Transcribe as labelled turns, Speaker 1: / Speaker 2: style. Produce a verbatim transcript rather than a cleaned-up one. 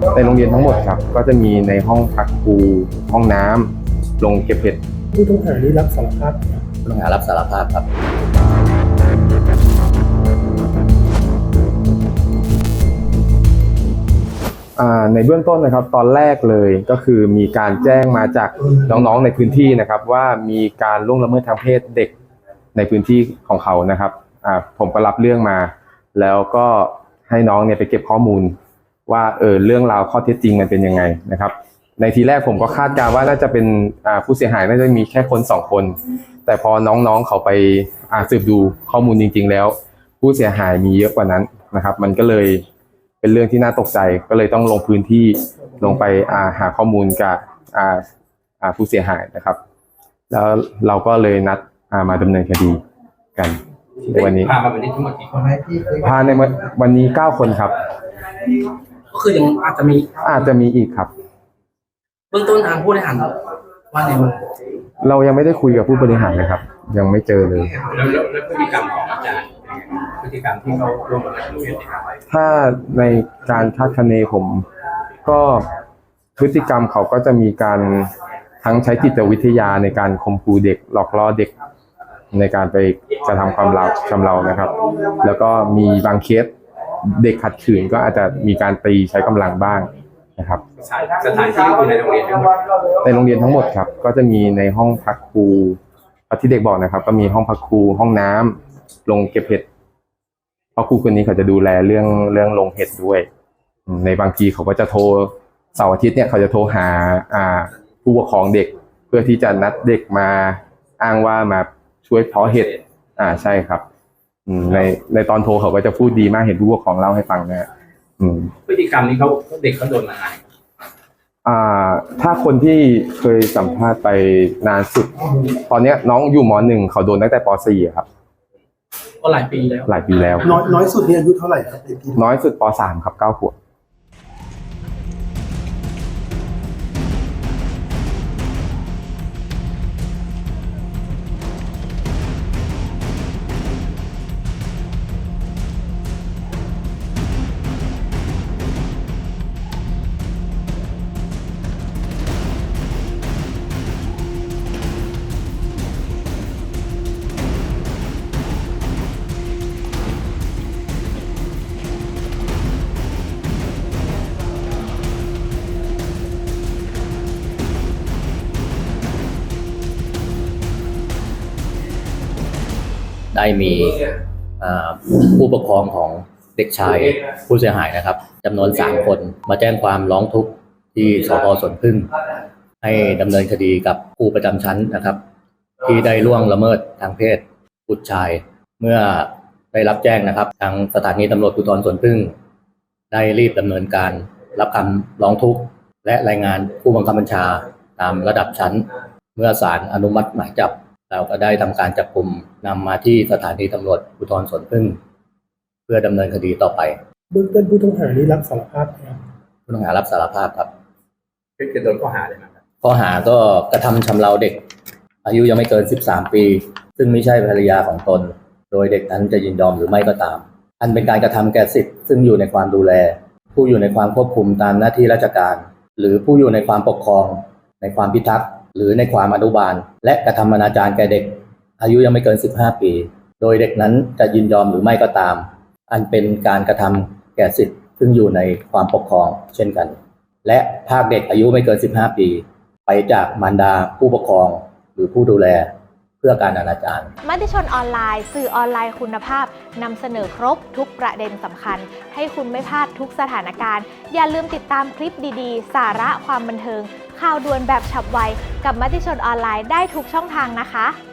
Speaker 1: ในโรงเรียนทั้งหมดครับก็จะมีในห้องพักครูห้องน้ำโรงเก็บเห็ด
Speaker 2: ผู้ต้องหานี้รับสารภาพ
Speaker 3: ผู้ต้องหารับสารภาพครับ
Speaker 1: ในเบื้องต้นนะครับตอนแรกเลยก็คือมีการแจ้งมาจากน้องๆในพื้นที่นะครับว่ามีการล่วงละเมิดทางเพศเด็กในพื้นที่ของเขานะครับผมก็รับเรื่องมาแล้วก็ให้น้องเนี่ยไปเก็บข้อมูลว่าเออเรื่องราวข้อเท็จจริงมันเป็นยังไงนะครับในทีแรกผมก็คาดการณ์ว่าน่าจะเป็นผู้เสียหายน่าจะมีแค่คนสองคนแต่พอน้องๆเขาไปสืบดูข้อมูลจริงๆแล้วผู้เสียหายมีเยอะกว่านั้นนะครับมันก็เลยเป็นเรื่องที่น่าตกใจก็เลยต้องลงพื้นที่ลงไปหาข้อมูลกับผู้เสียหายนะครับแล้วเราก็เลยนัดมาดำเนินคดีกันในวันนี้
Speaker 3: พามาวันนี้ทั้งหมดกี่คน
Speaker 1: พาในวันนี้เก้าคนครับ
Speaker 3: ก็คือยังอาจจะมี
Speaker 1: อาจจะมีอีกครับ
Speaker 3: เบื้องต้นทางผู้บริหารว่าไงบ้าง
Speaker 1: เรายังไม่ได้คุยกับผู้บริหารเลยครับยังไม่เจอเลย
Speaker 3: แล้วแล้วพฤติกรรมของอาจารย์พฤติกรรมที่เขาร่วมกันเรียน
Speaker 1: ถ้าในการคาดคะเนผมก็พฤติกรรมเขาก็จะมีการทั้งใช้จิตวิทยาในการข่มขู่เด็กหลอกล่อเด็กในการไปกระทำความเราชำเรานะครับแล้วก็มีบางเคสเด็กขัดขืนก็อาจจะมีการตีใช้กำลังบ้างนะครับ
Speaker 3: สถานที่คือในโรงเรียนทั้งหมด
Speaker 1: ในโรงเรียนทั้งหมดครับก็จะมีในห้องพักครูที่เด็กบอกนะครับก็มีห้องพักครูห้องน้ำโรงเก็บเห็ดเพราะครูคนนี้เขาจะดูแลเรื่องเรื่องโรงเห็ดด้วยในบางทีเขาก็จะโทรเสาร์อาทิตย์เนี่ยเขาจะโทรหาอ่าผู้ปกครองเด็กเพื่อที่จะนัดเด็กมาอ้างว่ามาช่วยเพาะเห็ดอ่าใช่ครับในในตอนโทรเขาก็จะพูดดีมากเห็นผู้ปกครองเล่าให้ฟังนะ
Speaker 3: พฤติกรรมนี้เขาเด็กเขาโดนมาอะไร
Speaker 1: อ่าถ้าคนที่เคยสัมภาษณ์ไปนานสุดตอนนี้น้องอยู่ม.หนึ่งเขาโดนตั้งแต่ป.สี่ครับ
Speaker 3: ก็หลายปีแล้ว
Speaker 1: หลายปีแล้ว
Speaker 2: น้อยน้อยสุดเนี่ยอายุเท่าไหร่ครับ
Speaker 1: น้อยสุดป.สามครับเก้าขวบ
Speaker 3: ได้มีผู้ปกครองของเด็กชายผู้เสียหายนะครับจำนวนสามคนมาแจ้งความร้องทุกข์ที่สภ.สวนผึ้งให้ดำเนินคดีกับครูประจำชั้นนะครับที่ได้ล่วงละเมิดทางเพศบุตรชายเมื่อได้รับแจ้งนะครับทางสถานีตำรวจภูธรสวนผึ้งได้รีบดำเนินการรับคำร้องทุกข์และรายงานผู้บังคับบัญชาตามระดับชั้นเมื่อศาลอนุมัติหมายจับเราก็ได้ทำการจับกุมนำมาที่สถานีตำรวจภูธรสวนผึ้งเพื่อดำเนินคดีต่อไป
Speaker 2: เบื้องต้นผู้ต้องหานี้รับสารภาพครับ
Speaker 3: ผู้ต้องหารับสารภาพครับเป็นโดนข้อหาอะไรครับข้อหาก็กระทำชำเราเด็กอายุยังไม่เกินสิบสามปีซึ่งไม่ใช่ภรรยาของตนโดยเด็กนั้นจะยินยอมหรือไม่ก็ตามอันเป็นการกระทำแก่สิทธิ์ซึ่งอยู่ในความดูแลผู้อยู่ในความควบคุมตามหน้าที่ราชการหรือผู้อยู่ในความปกครองในความพิทักษ์หรือในความอนุบาลและกระทำอนาจารแก่เด็กอายุยังไม่เกินสิบห้าปีโดยเด็กนั้นจะยินยอมหรือไม่ก็ตามอันเป็นการกระทำแก่สิทธิ์ซึ่งอยู่ในความปกครองเช่นกันและพรากเด็กอายุไม่เกินสิบห้าปีไปจากมารดาผู้ปกครองหรือผู้ดูแลเพื่อการอนาจาร
Speaker 4: มติชนออนไลน์สื่อออนไลน์คุณภาพนำเสนอครบทุกประเด็นสำคัญให้คุณไม่พลาดทุกสถานการณ์อย่าลืมติดตามคลิปดีๆสาระความบันเทิงข่าวด่วนแบบฉับไวกับมติชนออนไลน์ได้ทุกช่องทางนะคะ